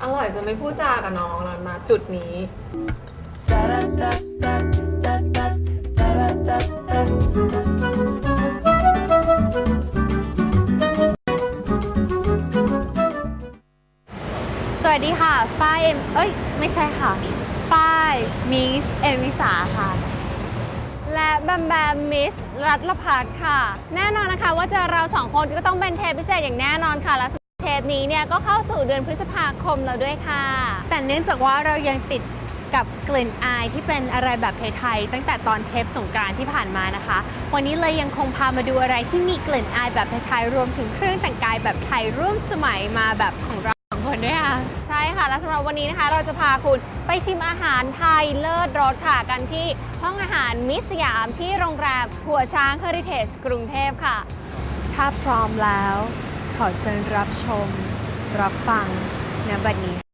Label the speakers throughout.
Speaker 1: อร่อยจนไม่พูดจากับน้องแล้วมาจุดนี้
Speaker 2: สวัสดีค่ะฝ้ายไม่ใช่ค่ะฝ้ายมิสเอมิสาค่ะและแบมแบมมิสรัตลพัฒน์ค่ะแน่นอนนะคะว่าเจอเราสองคนก็ต้องเป็นเทปพิเศษอย่างแน่นอนค่ะและเทปนี้เนี่ยก็เข้าสู่เดือนพฤษภาคมแล้วด้วยค่ะแต่เนื่องจากว่าเรายังติดกับกลิ่นอายที่เป็นอะไรแบบไทยๆตั้งแต่ตอนเทปสงกรานต์ที่ผ่านมานะคะวันนี้เลยยังคงพามาดูอะไรที่มีกลิ่นอายแบบไทยๆรวมถึงเครื่องแต่งกายแบบไทยร่วมสมัยมาแบบของเราคนด้วยค่ะใช่ค่ะและสำหรับวันนี้นะคะเราจะพาคุณไปชิมอาหารไทยเลิศรสค่ะกันที่ห้องอาหารมิสยามที่โรงแรมหัวช้างเฮอริเทจกรุงเทพค่ะถ้าพร้อมแล้วขอเชิญรับชมรับฟังณบัดนี้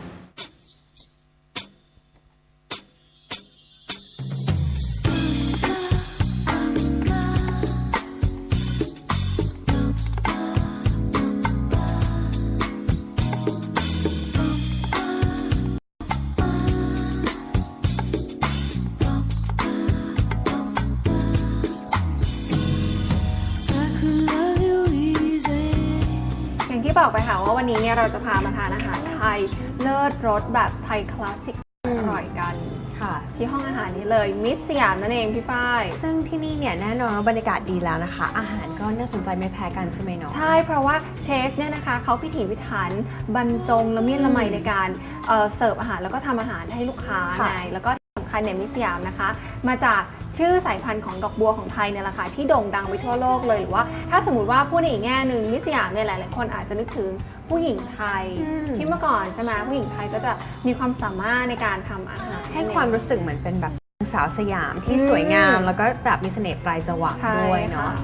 Speaker 1: ที่บอกไปค่ะว่าวันนี้เนี่ยเราจะพามาทานอาหารไทยเลิศรสแบบไทยคลาสสิกอร่อยกันค่ะที่ห้องอาหารนี้เลยมิสสยามนั่นเองพี่ฝ้าย
Speaker 2: ซึ่งที่นี่เนี่ยแน่นอนว่าบรรยากาศดีแล้วนะคะอาหารก็น่าสนใจไม่แพ้กันใช่ไหมเนาะ
Speaker 1: ใช่เพราะว่าเชฟเนี่ยนะคะเขาพิถีพิถันบรรจงละเมียดละไมในการเสิร์ฟอาหารแล้วก็ทำอาหารให้ลูกค้าไงแล้วก็สำคัญเนี่ยมิสยามนะคะมาจากชื่อสายพันธุ์ของดอกบัวของไทยเนี่ยแหละค่ะที่โด่งดังไปทั่วโลกเลยหรือว่าถ้าสมมติว่าพูดในอีกแง่หนึ่งมิสยามเนี่ยหลายๆคนอาจจะนึกถึงผู้หญิงไทยที่เมื่อก่อนใช่ไหมผู้หญิงไทยก็จะมีความสามารถในการทำอาหาร
Speaker 2: ให้ความรู้สึกเหมือนเป็นแบบสาวสยามที่สวยงามแล้วก็แบบมีเสน่ห์ปลายจวักด้วยเนาะ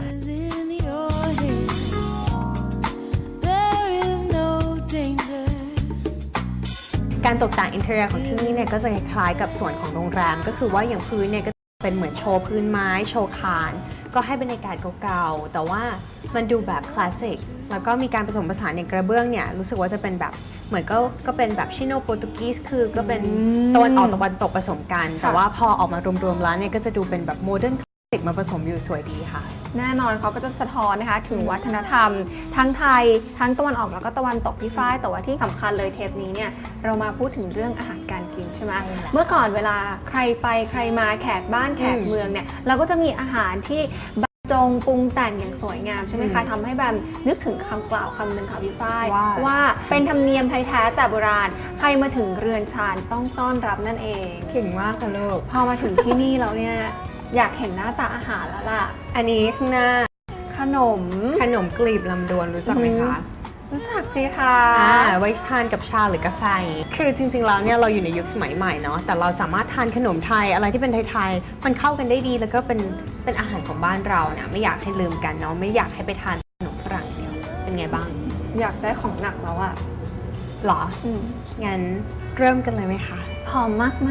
Speaker 2: การตกแต่งอินเทอร์เนียของที่นี่เนี่ยก็จะคล้ายๆกับส่วนของโรงแรมก็คือว่าอย่างพื้นเนี่ยก็เป็นเหมือนโชว์พื้นไม้โชว์คานก็ให้บรรยากาศเก่าๆแต่ว่ามันดูแบบคลาสสิกแล้วก็มีการผสมผสานในกระเบื้องเนี่ยรู้สึกว่าจะเป็นแบบเหมือนก็เป็นแบบชิโนโปรตุกีสคือก็เป็นตะวันออกตะวันตกผสมกันแต่ว่าพอออกมารวมๆแล้วเนี่ยก็จะดูเป็นแบบโมเดิร์นคลาสสิกมาผสมอยู่สวยดีค่ะ
Speaker 1: แน่นอนเขาก็จะสะท้อนนะคะถึงวัฒนธรรมทั้งไทยทั้งตะวันออกแล้วก็ตะวันตกพี่ฝ้ายแต่ว่าที่สำคัญเลยเทปนี้เนี่ยเรามาพูดถึงเรื่องอาหารการกินใช่ไหมเมื่อก่อนเวลาใครไปใครมาแขกบ้านแขกเมืองเนี่ยเราก็จะมีอาหารที่จงปรุงแต่งอย่างสวยงามใช่ไหมคะทำให้แบบนึกถึงคำกล่าวคำหนึ่งค่ะพี่ฝ้ายว่าเป็นธรรมเนียมไทยแท้แต่โบราณใครมาถึงเรือนชานต้องต้อนรับนั่นเอง
Speaker 2: เก่งมากค่ะลูก
Speaker 1: พอมาถึงที่นี่แล้วเนี่ยอยากเห็นหน้าตาอาหารแล้วล่ะ
Speaker 2: อันนี้ข้างหน้า
Speaker 1: ขนม
Speaker 2: กลีบลำดวนรู้จักไหมคะ
Speaker 1: รู้จักสิคะ
Speaker 2: ไว้ทานกับชาหรือกาแฟคือจริงๆแล้วเนี่ยเราอยู่ในยุคสมัยใหม่เนาะแต่เราสามารถทานขนมไทยอะไรที่เป็นไทยๆมันเข้ากันได้ดีแล้วก็เป็นอาหารของบ้านเราเนี่ยไม่อยากให้ลืมกันเนาะไม่อยากให้ไปทานขนมฝรั่งเดียวเป็นไงบ้าง
Speaker 1: อยากได้ของหนักแล้วอะ
Speaker 2: หรองั้นเริ่มกันเลยไหมคะ
Speaker 1: หอมมาก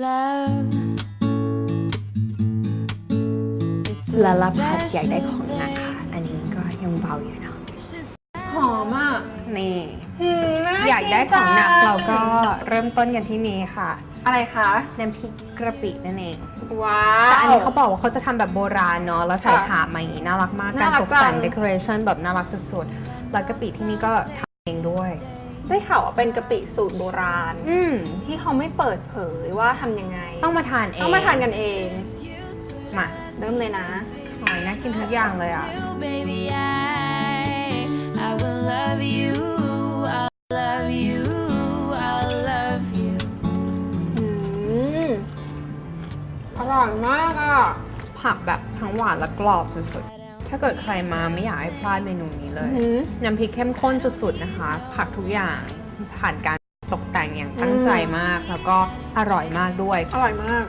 Speaker 2: ละลาพัดอยากได้ของหนักค่ะอันนี้ก็ยังเบาอยู่เนาะ
Speaker 1: หอมอ่ะ
Speaker 2: นี่อยากได้ของหนักเราก็เริ่มต้นกันที่นี้ค่ะ
Speaker 1: อะไรคะ
Speaker 2: น้ำพริกกระปินั่นเอง
Speaker 1: ว้าว
Speaker 2: แต่อันนี้เขาบอกว่าเขาจะทำแบบโบราณเนาะแล้วใส่ถาดมาอย่างนี้น่ารักมากการตกแต่งเดคอเรชันแบบน่ารักสุดๆแล้วกะปิที่นี่ก็ทำเองด้วย
Speaker 1: ได้ข่าวว่าเป็นกะปิสูตรโบราณที่เขาไม่เปิดเผยว่าทำยังไง
Speaker 2: ต้องมาทานเอง
Speaker 1: ต้องมาทานกันเอง
Speaker 2: มา
Speaker 1: เริ่มเลยนะ
Speaker 2: หอยน่ากินทุกอย่างเลยอ่ะ
Speaker 1: อร่อยมากอ่ะ
Speaker 2: ผักแบบทั้งหวานและกรอบสุดๆถ้าเกิดใครมาไม่อยากให้พลาดเมนูนี้เลยน้ำพริกเข้มข้นสุดๆนะคะผักทุกอย่างผ่านการตกแต่งอย่างตั้งใจมากแล้วก็อร่อยมากด้วย
Speaker 1: อร่อยมาก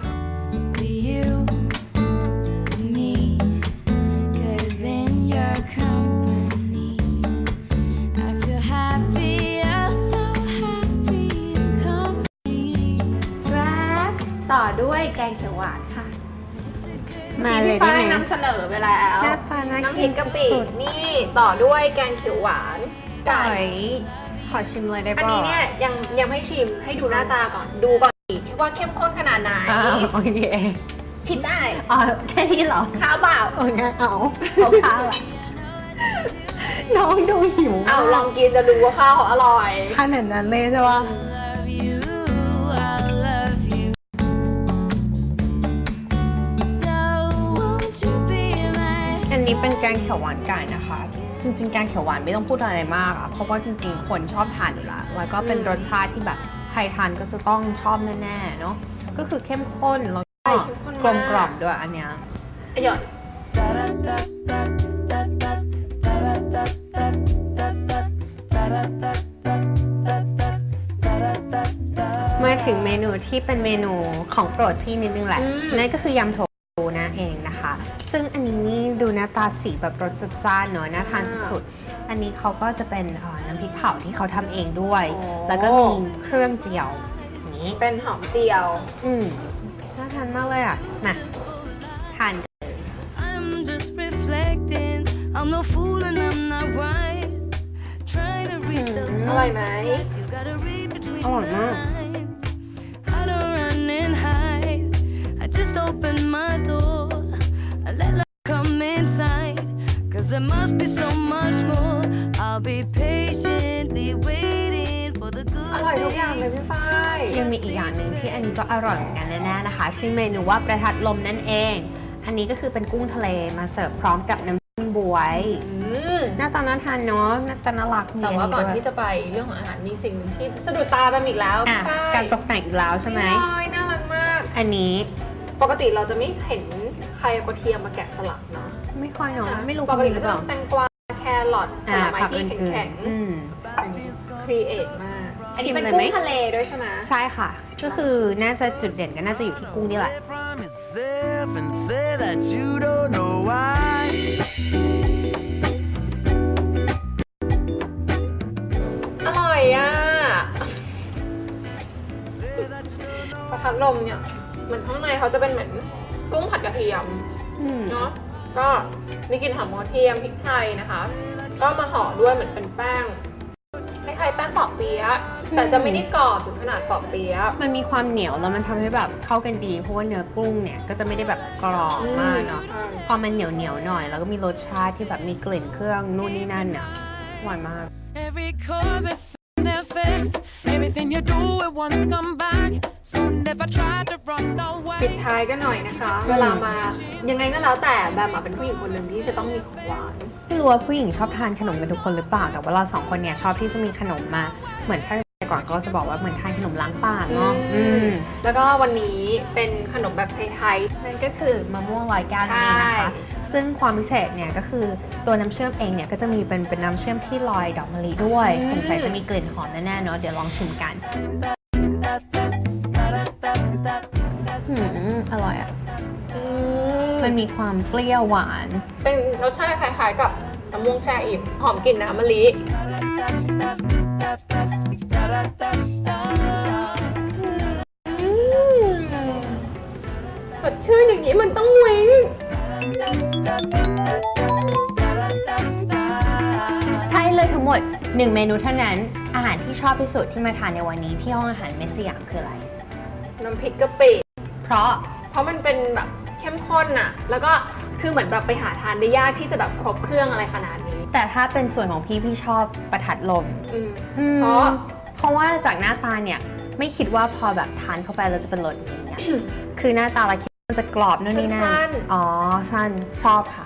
Speaker 1: ต่อด้วยแกงเขียวหวานค่ะ
Speaker 2: มาเลยได้ไหม
Speaker 1: นำเสนอไปแล้วน้ำพริกกะปินี่ต่อด้วยแกงเขียวหวานไก่
Speaker 2: ขอชิมเลยได้ป่ะ
Speaker 1: อันนี้เนี่ยยังไม่ชิมให้ดูหน้าตาก่อนดูก่อนว่าเข้มข้นขนาดไหน
Speaker 2: โอเค
Speaker 1: ชิมได้
Speaker 2: อ๋อแค่นี้เหรอ
Speaker 1: ข้าวเปล่า
Speaker 2: โอเคเอาข้าวอะน้องดูหิว
Speaker 1: เอาลองกินจะดูว่าข้าวเขาอร่อย
Speaker 2: ขนาดนั้นเลยใช่ปะ อันนี้เป็นแกงเขียวหวานไก่นะคะ จริงๆแกงเขียวหวานไม่ต้องพูดอะไรมากอะเพราะว่าจริงๆคนชอบทานอยู่แล้วแล้วก็เป็นรสชาติที่แบบใครทานก็จะต้องชอบแน่ๆเนาะก็คือเข้มข้นแล้วก็กลมกล่อมด้วยอันเนี้ย
Speaker 1: อร่อย
Speaker 2: มาถึงเมนูที่เป็นเมนูของโปรดพี่นิดนึงแหละนั่นก็คือยำโถฟูนะเองนะคะ ซึ่งอันนี้นี่ดูหน้าตาสีแบบรสจัดจ้านเนอะน่าทานสุดๆอันนี้เขาก็จะเป็นน้ำพริกเผาที่เขาทำเองด้วย แล้วก็มีเครื่องเจียวอย่างนี้
Speaker 1: เป็นหอมเจียว
Speaker 2: น่าทานมากเลยอ่ะมาทาน
Speaker 3: I'm just reflecting. I'm no fool and I'm not wise. Trying to read the
Speaker 1: อร่อยไหม
Speaker 3: You gotta read between
Speaker 2: Oh,
Speaker 3: the
Speaker 2: no.
Speaker 3: lines. I don't run and hide. I just open my door. I let love come inside. Cause there must be so much more. I'll be patiently waiting for the
Speaker 1: อ
Speaker 3: good
Speaker 1: ร่อยทุกอย่างเลย
Speaker 3: days.
Speaker 1: พี่ฝ้าย
Speaker 2: ยังมีอีกอย่างหนึ่งที่อันนี้ก็อร่อยเหมือนกันแน่ๆนะคะ ชื่อเมนูว่าประทัดลมนั่นเอง อันนี้ก็คือเป็นกุ้งทะเลมาเสิร์ฟพร้อมกับน้ำจิ้มบวย หน้าตาน่าทานเนาะหน้าตาน่ารักมี
Speaker 1: แต่ว่าก่อน
Speaker 2: ด้วย
Speaker 1: ที่จะไปเรื่องของอาหารมีสิ่งหนึ่งที่สะดุดตาไปอีกแล้ว
Speaker 2: อ่ะ
Speaker 1: พี่ฝ้าย
Speaker 2: การตกแต่งอีกแล้วใช่ไหม
Speaker 1: โอ้ยน่ารักมาก
Speaker 2: อันนี้
Speaker 1: ปกติเราจะไม่เห็นใครเอากระเทียมมาแกะสลักเนาะ
Speaker 2: ไม่ค่อยเนาะไม่รู้
Speaker 1: ปกติ
Speaker 2: ห
Speaker 1: ก็
Speaker 2: รือ
Speaker 1: จะ
Speaker 2: เปล่า
Speaker 1: เป็นแตงกวาแครอทผลไม้
Speaker 2: ผัก
Speaker 1: ที่
Speaker 2: อื่น
Speaker 1: แข็ง
Speaker 2: ๆอืม
Speaker 1: ๆครีเอทมาก อันนี้เป็น
Speaker 2: ชิมเลยไหม
Speaker 1: กุ้งทะเลด้วยใช่ไหม
Speaker 2: ใช่ค่ะ ก็คือน่าจะจุดเด่นก็น่าจะอยู่ที่กุ้งนี่แหละ
Speaker 4: from yourself and say that you don't know why.
Speaker 1: อร่อยอ่ะ ประทัดลมเนี่ยเหมือนข้างในเขาจะเป็นเหมือนกุ้งผัดกระเทียม
Speaker 2: อืม
Speaker 1: เนาะก็มีกลิ่นหอมกระเทียมพริกไทยนะคะ ก็มาห่อด้วยเหมือนเป็นแป้งคล้ายๆแป้งปอกเปี๊ยะแต่จะไม่ได้กรอบถึงขนาดปอกเปี๊ยะ
Speaker 2: มันมีความเหนียวแล้วมันทำให้แบบเข้ากันดี เพราะว่าเนื้อกุ้งเนี่ยก็จะไม่ได้แบบกรอบมากเนาะ
Speaker 1: ใช่
Speaker 2: พอมันเหนียวเหนียวๆหน่อย แล้วก็มีรสชาติที่แบบมีกลิ่นเครื่องนู่นนี่นั่นเนี่ยอร่อยมาก
Speaker 3: Every cause is an effect. Everything you do at once come back. So never try to run
Speaker 1: ปิด
Speaker 3: away.
Speaker 1: ท้ายกันหน่อยนะคะ เวลามายังไงก็แล้วแต่แบมอะเป็นผู้หญิงคนหนึ่งที่จะต้องมีของหวาน
Speaker 2: ไม่รู้ว่าผู้หญิงชอบทานขนมกันทุกคนหรือเปล่า แต่ว่าเราสองคนเนี่ยชอบที่จะมีขนมมา เหมือนถ้าแต่ก่อนก็จะบอกว่าเหมือนทานขนมล้างปากเนาะ
Speaker 1: แล้วก็วันนี้เป็นขนมแบบไทย
Speaker 2: นั่นก็คือมะม่วงลอยแก้วนั่นเองนะคะ ซึ่งความพิเศษเนี่ยก็คือตัวน้ำเชื่อมเองเนี่ยก็จะมีเป็นน้ำเชื่อมที่ลอยดอกมะลิด้วย สงสัยจะมีกลิ่นหอมแน่ๆเนาะ เดี๋ยวลองชิมกันอร่อยอ่ะ
Speaker 1: ๆ
Speaker 2: มันมีความเปรี้ยวหวาน
Speaker 1: เป็นรสชาติคล้ายๆกับมะม่วงแช่อิ่มหอมกลิ่นน้ำมะลิสดชื่นอย่างนี้มันต้องวิ้ง
Speaker 2: ใช่เลยทั้งหมด 1 เมนูเท่านั้น อาหารที่ชอบที่สุดที่มาทานในวันนี้ที่ห้องอาหารเมสสยามคืออะไร
Speaker 1: น้ำพริกกะปิ
Speaker 2: เพราะ
Speaker 1: เพราะมันเป็นแบบเข้มข้นอะแล้วก็คือเหมือนแบบไปหาทานได้ยากที่จะแบบครบเครื่องอะไรขนาดนี้
Speaker 2: แต่ถ้าเป็นส่วนของพี่ชอบประทัดลม
Speaker 1: เพราะ
Speaker 2: เพราะว่าจากหน้าตาเนี่ยไม่คิดว่าพอแบบทานเข้าไปแล้วจะเป็นรสอย่างเงี้ย คือหน้าตาเราคิดว่ามันจะกรอบนู่นนี่นั่น
Speaker 1: สั้น
Speaker 2: อ๋อ สั้น ชอบค่ะ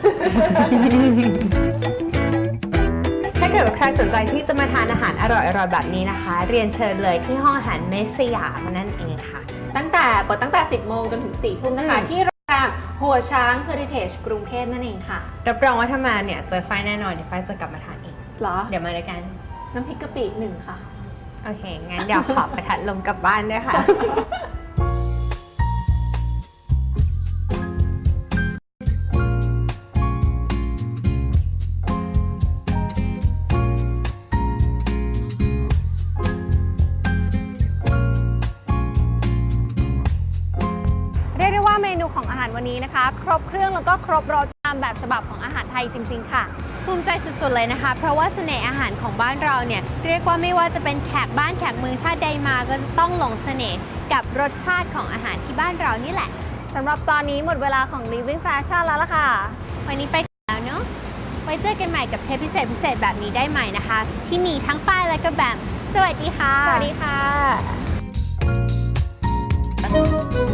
Speaker 2: ถ้าเกิดว่าใครสนใจที่จะมาทานอาหารอร่อยๆแบบนี้นะคะ เรียนเชิญเลยที่ห้องอาหารเมสสยามนั่นเองค่ะ
Speaker 1: เปิดตั้งแต่ 10 โมงจนถึง 4 ทุ่มนะคะ ที่โรงแรมหัวช้าง Heritage กรุงเทพนั่นเองค่ะ
Speaker 2: รับรองว่าถ้ามาเนี่ยเจอไฟแน่นอนเดี๋ยวไฟจะกลับมาทานเอง
Speaker 1: เหรอ
Speaker 2: เดี๋ยวมาด้วยกัน
Speaker 1: น้ำพริกกะปิ1 ค่ะ
Speaker 2: โอเค งั้นเดี๋ยวขอประทัดลมกลับบ้านด้วยค่ะ
Speaker 1: เรียกได้ว่าเมนูของอาหารวันนี้นะคะ ครบเครื่องแล้วก็ครบรส
Speaker 2: ามแบบฉบับของอาหารไทยจริงๆค่ะภูมิใจสุดๆเลยนะคะเพราะว่าเสน่ห์อาหารของบ้านเราเนี่ยเรียกว่าไม่ว่าจะเป็นแขกบ้านแขกเมืองชาติใดมาก็จะต้องหลงเสน่ห์กับรสชาติของอาหารที่บ้านเรานี่แหละ
Speaker 1: สำหรับตอนนี้หมดเวลาของ Living Fashion แล้วล่ะค่ะ
Speaker 2: วันนี้ไปแล้วเนาะไว้เจอกันใหม่กับเทปพิเศษแบบนี้ได้ใหม่นะคะ ที่มีทั้งฝ้ายและก็แบมสวัสดีค่ะ
Speaker 1: สวัสดีค่ะ